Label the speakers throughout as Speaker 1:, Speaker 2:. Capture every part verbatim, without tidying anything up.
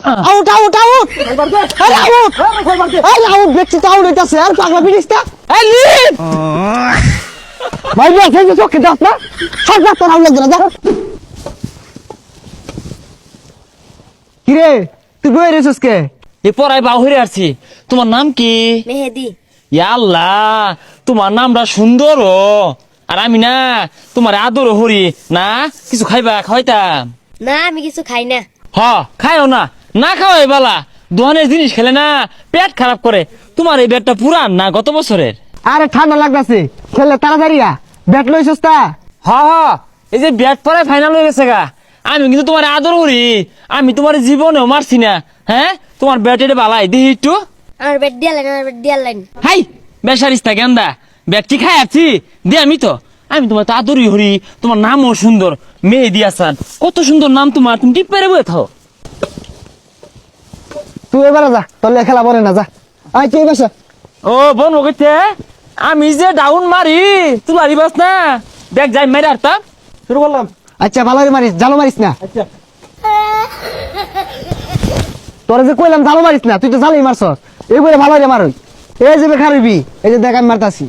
Speaker 1: Out out out আরে out আরে out দেখছি তো আউট হইতাছে আর পাগলা বিড়িসটা এই লিড ভাই ভাই সেই চোখে দাও না সব রাত আউট লাগবে না যা কি রে তুই বই রেছস কে
Speaker 2: এ পড়াই বাহিরে আসছি। তোমার নাম কি?
Speaker 3: মেহেদি।
Speaker 2: ইয়া আল্লাহ, তোমার নামটা সুন্দর ও। আর আমি না তোমার আদর হরি না কিছু খাইবা খাওয়াইতাম।
Speaker 3: না আমি কিছু খাই না।
Speaker 2: হ খাইও না, না খাওয়াই বালা। দোকানের জিনিস খেলে না পেট খারাপ করে। তোমার এই ব্যাটটা পুরান না গত বছরের?
Speaker 1: আরে ঠান্ডা লাগতাছে খেলে তাড়াতাড়ি আ ব্যাট লইছস তা
Speaker 2: হ হ, এই যে ব্যাট পরে ফাইনাল হয়ে গেছে গা। আমি কিন্তু তোমার আদর করি, আমি তোমার জীবনেও মারছি না। হ্যাঁ তোমার ব্যাট এটা বালাই দিহি একটু।
Speaker 3: আমার বেড দিয়া লাইন আমার বেড দিয়া লাইন।
Speaker 2: হাই বেসারিস্তা গেন্দা, ব্যাট কি খাই আছি দে আমি তো। আমি তোমার তো আদরই হরি, তোমার নামও সুন্দর, মেয়ে দিয়াসান, কত সুন্দর নাম তোমার। তুমি টিপ পেরে বয়ে থাও।
Speaker 1: তুই এবারে যা তোর খেলা পরে না যা আই তুই বসা
Speaker 2: ও বোন ওকে আমি যে ডাউন মারি তুই মারিবাস না। দেখ যাই মেরে আরতাম শুরু করলাম।
Speaker 1: আচ্ছা ভালো মারিস জালো মারিস না
Speaker 2: আচ্ছা
Speaker 1: তোরা যে কইলাম জালো মারিস না তুই তো জালোই মারছস এই বলে ভালো রে মারই এই যে বেখারবি এই যে দেখ আমি মারতাছি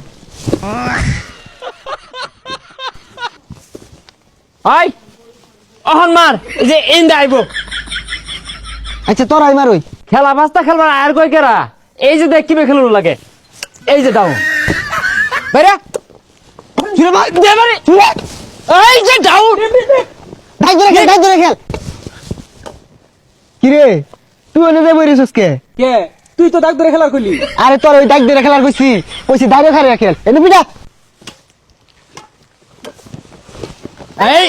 Speaker 2: আই অহন মার, এই যে এন্ড আইবো।
Speaker 1: আচ্ছা তোরাই মারই
Speaker 2: খেলা বাস্তা খেলবার আর কই কেরা। এই যে দেখ কিবে খেলুন লাগে, এই যে ডাউন বেরা
Speaker 1: কিরে ভাই
Speaker 2: দে মারে, এই যে ডাউন
Speaker 1: ডাই ধরে খেল ডাই ধরে খেল কিরে তুই এনে দে বইরিছস কে
Speaker 2: কে তুই তো ডাক ধরে খেলা কইলি।
Speaker 1: আরে তোর ওই ডাক ধরে খেলার কইছি কইছি দাঁড়িয়ে খারে খেল এনে বিটা
Speaker 2: এই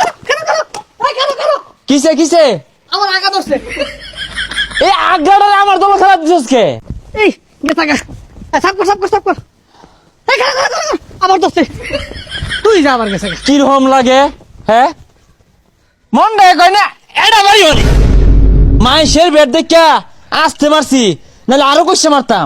Speaker 2: কিসে কিসে
Speaker 1: আমার আগা দছছে
Speaker 2: এই আগাড়া আমার দল খেলা দিছস কে?
Speaker 1: এই গেছা গা সাপ কর সাপ কর সাপ কর এই খেলা খেলা খেলা আমার দছছে তুই যা আমার গেছে
Speaker 2: কি রকম লাগে হ্যাঁ? মন দেয় কই না এটা মারি হলি মাইশের ব্যাট দেখা আসতে মারছি, নাহলে আরো কইছে মারতাম।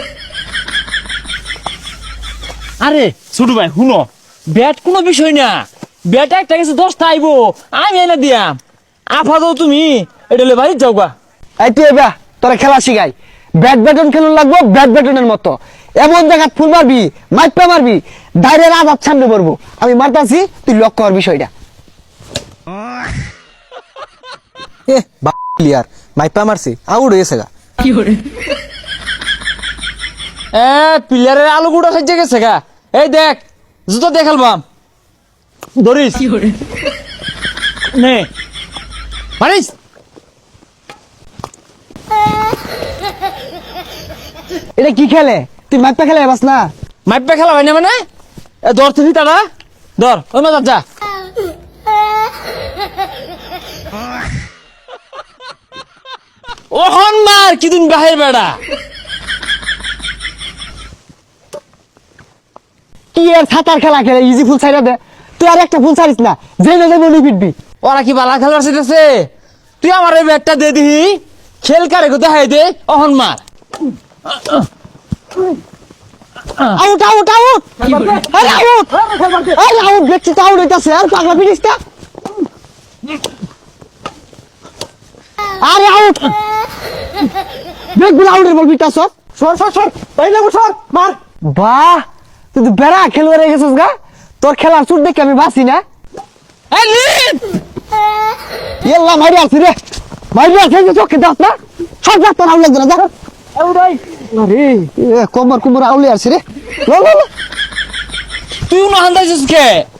Speaker 2: আরে ছোট ভাই শুনো, ব্যাট কোনো বিষয় না, ব্যাট একটা কিছু দশটা আইবো আমি এনে দিয়াম। আফা দাও তুমি এটা হলে বাড়ি যাও গা।
Speaker 1: এই তুই এবা তোরা খেলা শিখাই ব্যাট ব্যাটন খেলুন লাগবো ব্যাট ব্যাটনের মতো এমন জায়গা ফুল মারবি মাইপা মারবি দাঁড়িয়ে আজাদ সামনে পড়বো আমি মারতাছি তুই লক্ষ্য কর বিষয়টা
Speaker 4: এ প্লেয়ার মাইপা মারছে আউট হয়েছে গা।
Speaker 2: এ প্লেয়ারের আলু গুঁড়া খাইছে গেছে গা। এই দেখ জুতো দেখালবাম ধরিস নে মারিস।
Speaker 1: এটা কি খেলে তুই মাইপা খেলে বাস না
Speaker 2: মাইপে খেলা হয় না মানে এ ধর তুই তারা ধর ওই মাথা যা। ওহন মার কি দিন বাহির বেড়া
Speaker 1: কি আর সাঁতার খেলা খেলে ইজি ফুল ছাইরা দে তুই আর একটা ফুল ছাড়িস না যে না দেবো পিটবি
Speaker 2: ওরা কি বালা খেলার শিখেছে। তুই আমার এই ব্যাটটা দে দিহি খেল কারে গো দেখাই দে অহন মার।
Speaker 1: আউট আউট আউট আরে আউট আরে আউট দেখছি তো আউট হইতাছে আর পাগলা বিড়িসটা আরে আউট দেখগুলো আউটের বল বিটাছ সর সর সর তাই না সর মার বাহ তুই তো বেড়া খেলুয়ারে গেছিস গা তোর খেলার চুট দেখে আমি বাঁচি না
Speaker 2: এই লিড
Speaker 1: ইয়াল্লা মারি আসি রে মারি আসি যে চোখে দাস না সব রাত তোর আউট লাগবে না যা
Speaker 2: আউট ভাই
Speaker 1: আরে এ কোমর কোমর আউলে আসি রে লো লো লো
Speaker 2: তুই না হান্দাইছিস কে?